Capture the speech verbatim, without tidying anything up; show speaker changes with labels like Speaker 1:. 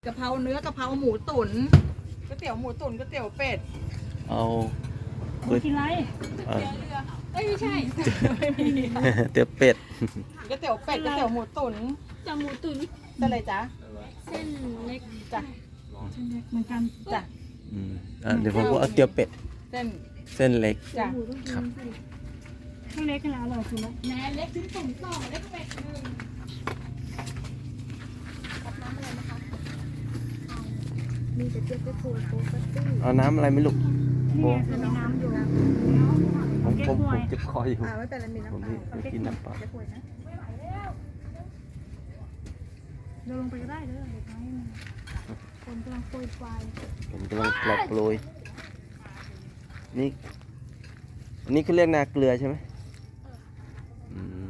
Speaker 1: กะเพราเนื้อกะเพราหมูตุ๋นก๋วยเตี๋ยวหมูตุ๋นก๋วยเตี๋ยวเป็ด
Speaker 2: เอา
Speaker 3: หมูกินไร
Speaker 2: เอ่อ
Speaker 3: เอ้ยไม่ใช่
Speaker 1: ไม่มี
Speaker 2: เตี๋ยวเป็ด
Speaker 1: ก๋วยเตี๋ยวเป็ดก๋วยเตี๋ยวหมูตุ๋น
Speaker 3: จะหมูตุ๋น
Speaker 1: เป็นอะไรจ๊ะ
Speaker 3: เส้นเล็ก
Speaker 1: จ้ะ
Speaker 3: เส้นเล็กเหมือนกัน
Speaker 1: จ้ะ
Speaker 2: อืมอ่ะเดี๋ยวผมก็เอาเตี๋ยวเป็ด
Speaker 1: เส้น
Speaker 2: เส้นเล็ก
Speaker 1: จ้ะ
Speaker 3: หมูต้องกินสิเส้นเล็กกันแล้วอร่อยสุดแล้วแหนเล็กชิ้นตุ๋นสองเล็กเป็ดหนึ่งมีแต่เจี๊ยบจะโคตรโคตรตี้
Speaker 2: เอาน้ำอะไรไหม่ลูก
Speaker 3: นี่ไงคือมีน้ำอยู่
Speaker 2: ผมผม
Speaker 3: เก๊กฮ
Speaker 2: ผ
Speaker 3: ว
Speaker 2: ม
Speaker 3: ย
Speaker 2: เจ็บคออยู่
Speaker 1: อ่าไม่เป็นไรมีน้ำ
Speaker 2: ผม
Speaker 1: เปล่า
Speaker 2: ไม่กินน้ำเปล่า
Speaker 1: จะป่วยนะ
Speaker 3: เราลงไปก็ได้เลยเด็กน้อยคนกำลังโปรยไฟ
Speaker 2: ผมกำลังปลอกโปรยนี่อันนี้คือเรียกนาเกลือใช่ไหมอืม